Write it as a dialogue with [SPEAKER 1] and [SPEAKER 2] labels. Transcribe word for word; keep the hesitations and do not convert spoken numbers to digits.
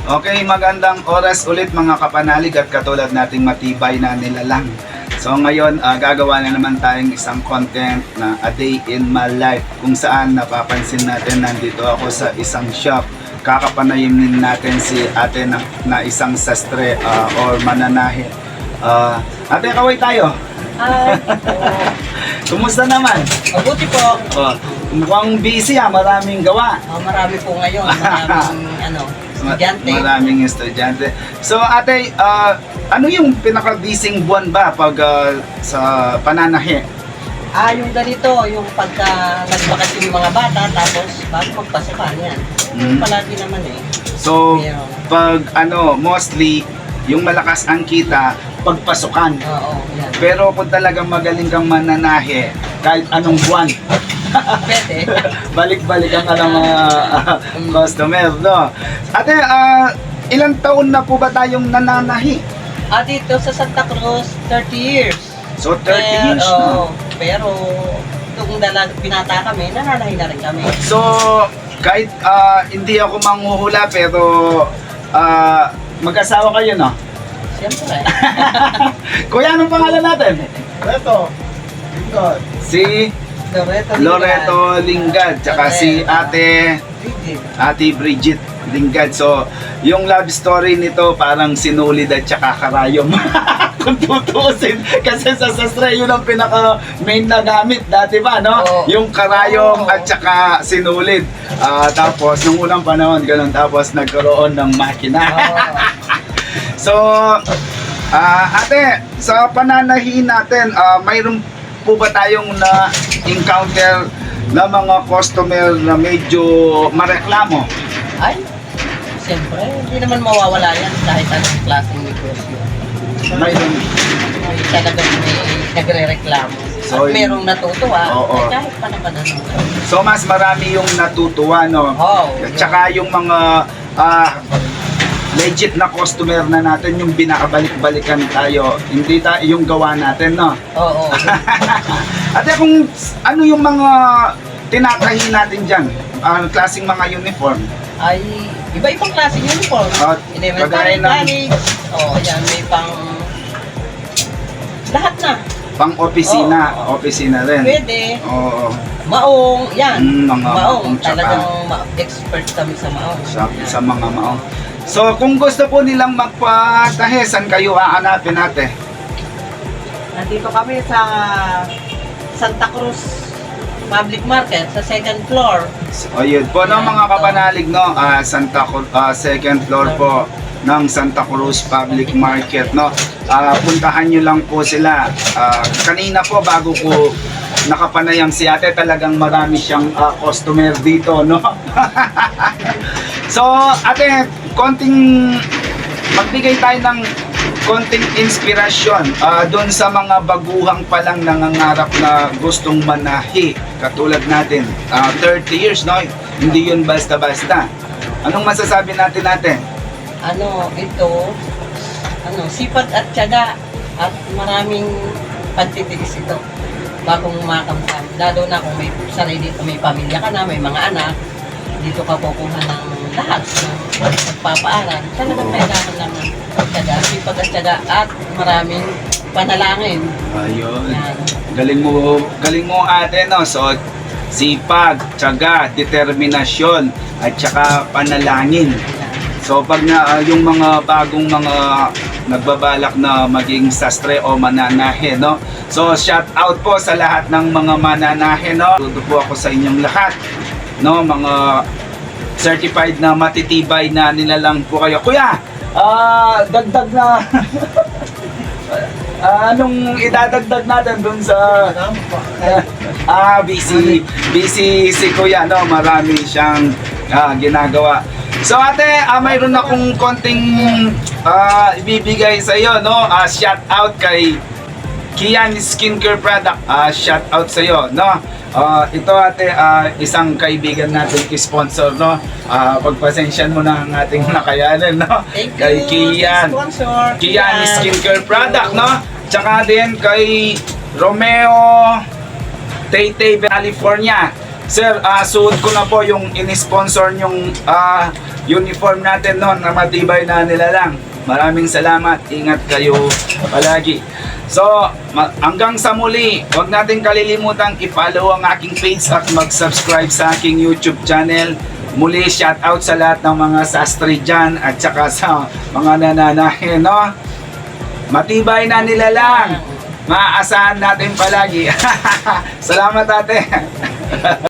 [SPEAKER 1] Okay, magandang oras ulit mga kapanalig at katulad nating matibay na nilalang. So ngayon, uh, gagawa na naman tayong isang content na A Day in My Life kung saan napapansin natin nandito ako sa isang shop. Kakapanayimin natin si ate na, na isang sastre uh, or mananahe. Uh, ate, kaway tayo.
[SPEAKER 2] Hi.
[SPEAKER 1] Kumusta naman?
[SPEAKER 2] Mabuti po.
[SPEAKER 1] Oh, mukhang busy ha, maraming gawa.
[SPEAKER 2] Oh, marami po ngayon. Maraming ano, estudyante.
[SPEAKER 1] Maraming estudyante. So ate, uh, ano yung pinaka-busy buwan ba pag uh, sa pananahe?
[SPEAKER 2] Ah, yung ganito, yung pagka nagbakasyon yung mga bata, tapos bago magpasukan yan.
[SPEAKER 1] Mm.
[SPEAKER 2] Palagi naman eh.
[SPEAKER 1] So,
[SPEAKER 2] Meron.
[SPEAKER 1] pag ano, mostly, yung malakas ang kita, pagpasukan.
[SPEAKER 2] Oo, yan.
[SPEAKER 1] Pero kung talagang magaling kang mananahe, kahit anong buwan,
[SPEAKER 2] Pwede.
[SPEAKER 1] balik-balik ang alam mga uh, customer, no? Ate, uh, ilang taon na po ba tayong nananahi?
[SPEAKER 2] Ah, dito sa Santa Cruz, thirty years.
[SPEAKER 1] So, thirty
[SPEAKER 2] pero,
[SPEAKER 1] years na.
[SPEAKER 2] Pero, nung dalag, binata kami, nananahin na rin kami.
[SPEAKER 1] So, kahit uh, hindi ako manghuhula, pero uh, mag-asawa kayo, no?
[SPEAKER 2] Siyempre.
[SPEAKER 1] Kuya, anong pangalan natin?
[SPEAKER 3] Ito. Lingkod.
[SPEAKER 1] Si
[SPEAKER 2] Loreto.
[SPEAKER 1] Loreto Lingad, tsaka si ate, ate Bridget Lingad. So, yung love story nito parang sinulid at tsaka karayom. Kung tutuusin, kasi sa sastre yun ang pinaka main na gamit dati ba, no?
[SPEAKER 2] Oo.
[SPEAKER 1] Yung karayom
[SPEAKER 2] Oo.
[SPEAKER 1] at tsaka sinulid. Ah, tapos, nung unang panahon, ganun, tapos nagkaroon ng makina. So, ah, ate, sa pananahin natin, ah, mayroon po ba tayong na-encounter na mga customer na medyo mareklamo?
[SPEAKER 2] Ay, siyempre, hindi naman mawawala yan kahit anong klaseng negosyo.
[SPEAKER 1] Mayroon.
[SPEAKER 2] May talagang may nagre-reklamo.
[SPEAKER 1] So,
[SPEAKER 2] At merong natutuwa,
[SPEAKER 1] Oo.
[SPEAKER 2] eh, kahit pa naman ano.
[SPEAKER 1] So, mas marami yung natutuwa, no?
[SPEAKER 2] Oo.
[SPEAKER 1] At saka yung mga ah, legit na customer na natin, yung binakabalik-balikan tayo, hindi ta yung gawa natin, no?
[SPEAKER 2] Oo.
[SPEAKER 1] Ate, kung ano yung mga tinatahi natin dyan, ang klaseng mga uniform?
[SPEAKER 2] Ay, iba-ibang klaseng uniform.
[SPEAKER 1] At kagaya
[SPEAKER 2] Elementary,
[SPEAKER 1] ng-
[SPEAKER 2] college. Oo, yan, may pang... Lahat na.
[SPEAKER 1] Pang-opisina, opisina rin.
[SPEAKER 2] Pwede.
[SPEAKER 1] Oo.
[SPEAKER 2] Maong, yan.
[SPEAKER 1] Mm, mga maong,
[SPEAKER 2] maong.
[SPEAKER 1] tsaka-
[SPEAKER 2] Talagang ma- expert kami sa maong.
[SPEAKER 1] Sa,
[SPEAKER 2] Yan.
[SPEAKER 1] sa mga maong. So, kung gusto po nilang magpatahe, saan kayo hahanapin natin?
[SPEAKER 2] Nandito kami sa Santa Cruz Public Market sa second floor.
[SPEAKER 1] So, yun po, no, mga kapanalig, no? ah, Santa Cruz, ah, second floor po ng Santa Cruz Public Market, no? Ah, puntahan nyo lang po sila. Ah, kanina po, bago po nakapanayang si ate, talagang marami siyang ah, customer dito, no? So, ate, konting magbigay tayo ng konting inspirasyon uh, doon sa mga baguhang palang nangangarap na gustong manahi katulad natin. Uh, thirty years, no? Hindi yun basta-basta. Anong masasabi natin natin?
[SPEAKER 2] Ano, ito, ano, sipag at tiyaga at maraming pagtitiis ito bagong makamukam. Lalo na kung may sarili, may pamilya ka na, may mga anak, dito ka kukuha ng lahat ng pagpapaaral. Talagang kailangan lang ng tiyaga, sipag at tiyaga at maraming panalangin.
[SPEAKER 1] Ayun.
[SPEAKER 2] Yan.
[SPEAKER 1] Galing mo, galing mo ate, no? So, sipag, tiyaga, determinasyon, at saka panalangin. So pag na uh, yung mga bagong mga nagbabalak na maging sastre o mananahe, no? So shout out po sa lahat ng mga mananahe, no? Tuto po ako sa inyong lahat, no? Mga certified na matitibay na nilalang po kayo. Kuya, ah dagdag na ah, anong idadagdag natin dun sa ah busy busy si Kuya, no? Marami siyang ah, ginagawa. So ate, ah, mayroon akong konting ah, ibibigay sa iyo, no? Ah, shout out kay Kian Skincare Product. Ah, shout out sa iyo, no? Ah, ito ate, ah, isang kaibigan natin sponsor, no? Ah, pagpasensyan mo na ang ating nakayanan, no?
[SPEAKER 2] Thank you,
[SPEAKER 1] Kay Kian.
[SPEAKER 2] sponsor.
[SPEAKER 1] Kian Skincare Product, no? Tsaka din kay Romeo Taytay, California. Sir, ah suot ko na po yung in-sponsor yung ah, uniform natin no, na matibay na nilalang. Maraming salamat. Ingat kayo palagi. So, ma- hanggang sa muli, huwag natin kalilimutan i-follow ang aking page at mag-subscribe sa aking YouTube channel. Muli, shout out sa lahat ng mga sastre dyan at saka sa mga nananahin, no? Matibay na nilalang. Maaasahan natin palagi. Salamat ate.